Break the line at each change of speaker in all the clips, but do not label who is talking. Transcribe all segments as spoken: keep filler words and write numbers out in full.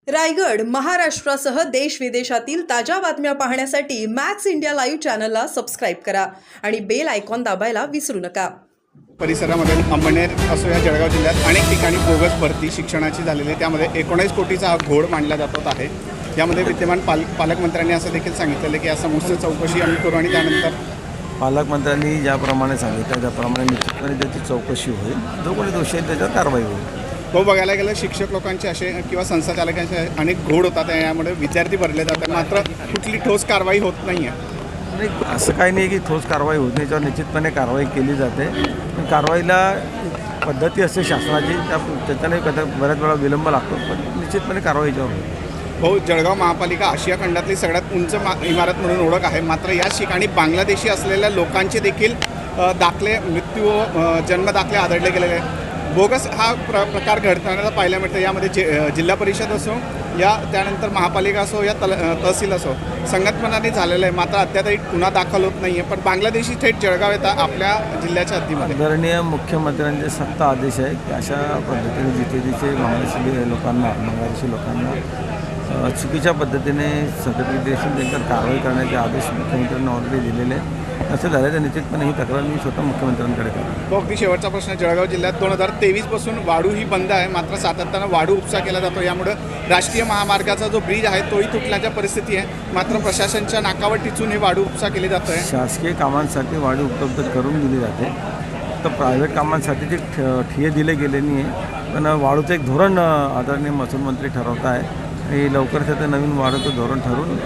रायगड महाराष्ट्रासह देश विदेशातील ताज्या बातम्या पाहण्यासाठी मॅक्स इंडिया लाईव्ह चॅनलला सबस्क्राईब करा आणि बेल आयकॉन दाबायला विसरू नका।
परिसरामध्ये अंबनेर असो या जळगाव जिल्ह्यात अनेक ठिकाणी बोगस भरती शिक्षणाची झालेली आहे। त्यामध्ये एकोणीस कोटीचा हा घोड मांडला जात आहे। यामध्ये विद्यमान पाल पालकमंत्र्यांनी असं देखील सांगितलेलं की या समस्या चौकशी आम्ही करू आणि त्यानंतर
पालकमंत्र्यांनी ज्याप्रमाणे सांगितलं त्याप्रमाणे निश्चितपणे त्याची चौकशी होईल। जो कोणी दोषी आहे त्याच्यावर कारवाई होईल।
तो बघायला गेलं शिक्षक लोकांचे असे किंवा संस्थाचालकांचे अनेक घोड होतात, यामुळे विद्यार्थी भरले जातात, मात्र कुठली ठोस कारवाई होत नाही आहे।
नाही असं काही नाही की ठोस कारवाई होत नाही, याच्यावर निश्चितपणे कारवाई केली जाते। पण कारवाईला पद्धती असते शासनाची, त्या त्याच्याने कदा बऱ्याच वेळा विलंब लागतो, पण निश्चितपणे कारवाई याच्यावर होईल।
हो, जळगाव महापालिका आशिया खंडातली सगळ्यात उंच इमारत म्हणून ओळख आहे, मात्र याच ठिकाणी बांगलादेशी असलेल्या लोकांचे देखील दाखले मृत्यू जन्मदाखले आढळले गेलेले आहेत। बोगस हा प्र प्रकार घडताना पाहायला मिळतं। यामध्ये जि जिल्हा परिषद असो या त्यानंतर महापालिका असो या तल तहसील असो संगतपणाने झालेलं आहे, मात्र अद्यापही गुन्हा दाखल होत नाही आहे। पण बांगलादेशी थेट जळगाव येतात आपल्या जिल्ह्याच्या हद्दीमध्ये।
आदरणीय मुख्यमंत्र्यांचे सक्त आदेश आहे की अशा पद्धतीने जिथे जिथे बांगलादेशी लोकांना बांगलादेशी लोकांना चुकीच्या पद्धतीने संघटित त्यांच्यावर कारवाई करण्याचे आदेश मुख्यमंत्र्यांनी ऑलरेडी दिलेले आहेत। असं झालं तर निश्चितपणे ही तक्रार मी स्वतः मुख्यमंत्र्यांकडे करतो।
तो अगदी शेवटचा प्रश्न, जळगाव जिल्ह्यात दोन हजार तेवीसपासून वाढू ही बंद आहे, मात्र सातत्यानं वाढू उपसा केला जातो। यामुळे राष्ट्रीय महामार्गाचा जो ब्रिज आहे तोही तुटण्याच्या परिस्थिती आहे, मात्र प्रशासनाच्या नाकावर टिचून हे वाढू उपसा केली जातो आहे।
शासकीय कामांसाठी वाढू उपलब्ध करून दिली जाते, तर प्रायव्हेट कामांसाठी ते ठिये दिले गेले नाही आहे। पण वाढूचं एक धोरण आदरणीय महसूल मंत्री ठरवत आहे आणि लवकरच ते नवीन वाढूचं धोरण ठरवून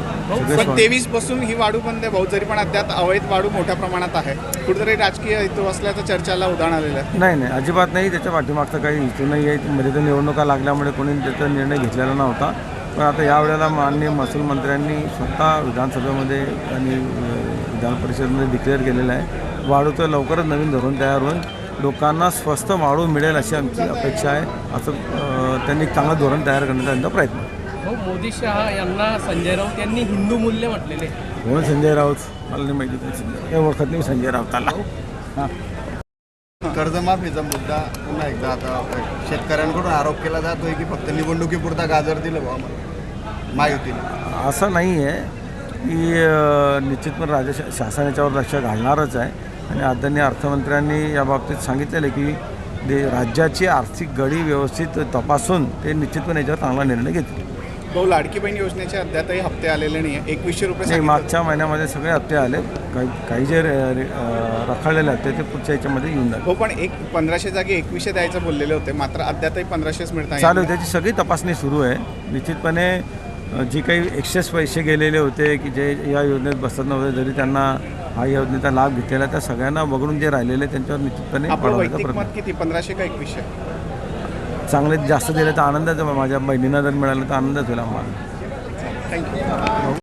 पण तेवीस पासून ही वाढू बंद आहे भाऊ, जरी पण अद्याप अवैध वाढू मोठ्या प्रमाणात आहे। कुठेतरी राजकीय हेतू असल्याचं चर्चाला उदाहरण आलेलं आहे।
नाही नाही अजिबात नाही, त्याच्या पाठीमागचा काही हेतू नाही आहे। मध्ये तर निवडणुका लागल्यामुळे कोणी त्याचा निर्णय घेतलेला नव्हता, पण आता यावेळेला माननीय महसूल मंत्र्यांनी स्वतः विधानसभेमध्ये आणि विधान परिषदेमध्ये डिक्लेअर केलेलं आहे वाढूचं लवकरच नवीन धोरण तयार होऊन लोकांना स्वस्त वाढू मिळेल अशी आमची अपेक्षा आहे। असं त्यांनी चांगलं धोरण तयार करण्याचा त्यांचा प्रयत्न आहे।
हो, मोदी शहा यांना संजय राऊत यांनी हिंदू मूल्य म्हटलेले।
कोण संजय राऊत? मला नाही माहिती कोण संजय, हे ओळखत नाही संजय राऊताला। हां,
कर्जमाफीचा मुद्दा पुन्हा एकदा आता शेतकऱ्यांकडून आरोप केला जातोय की फक्त निवडणुकीपुरता गाजर दिलं बा महायुतीने।
असं नाही आहे की निश्चितपणे राज्य शा शासन याच्यावर लक्ष घालणारच आहे आणि आदरणीय अर्थमंत्र्यांनी याबाबतीत सांगितलेलं आहे की दे राज्याची आर्थिक गडी व्यवस्थित तपासून ते निश्चितपणे याच्यावर चांगला निर्णय घेतील।
भाऊ, लाडकी बहीण योजनेचे अद्यापही हप्ते आलेले नाही आहे, एकवीसशे रुपये
नाही, मागच्या महिन्यामध्ये सगळे हप्ते आले, काही काही जे रखडलेले हप्ते ते पुढच्या याच्यामध्ये येऊन जाते।
हो, पण एक पंधराशे जागी एकवीसशे द्यायचं बोललेले होते, मात्र अद्यापही पंधराशेच मिळत आहे।
चालू त्याची सगळी तपासणी सुरू आहे। निश्चितपणे जी काही एक्सेस पैसे गेलेले होते की जे या योजनेत बसत नव्हते, जरी त्यांना हा योजनेचा लाभ घेतलेला, त्या सगळ्यांना वगळून जे राहिलेले त्यांच्यावर निश्चितपणे
वैयक्तिक मत किती, पंधराशे का एकवीसशे?
चांगले जास्त दिले तर आनंदाचं, माझ्या बहिणींना जर मिळालं तर आनंदच होईल आम्हाला।
थँक्यू।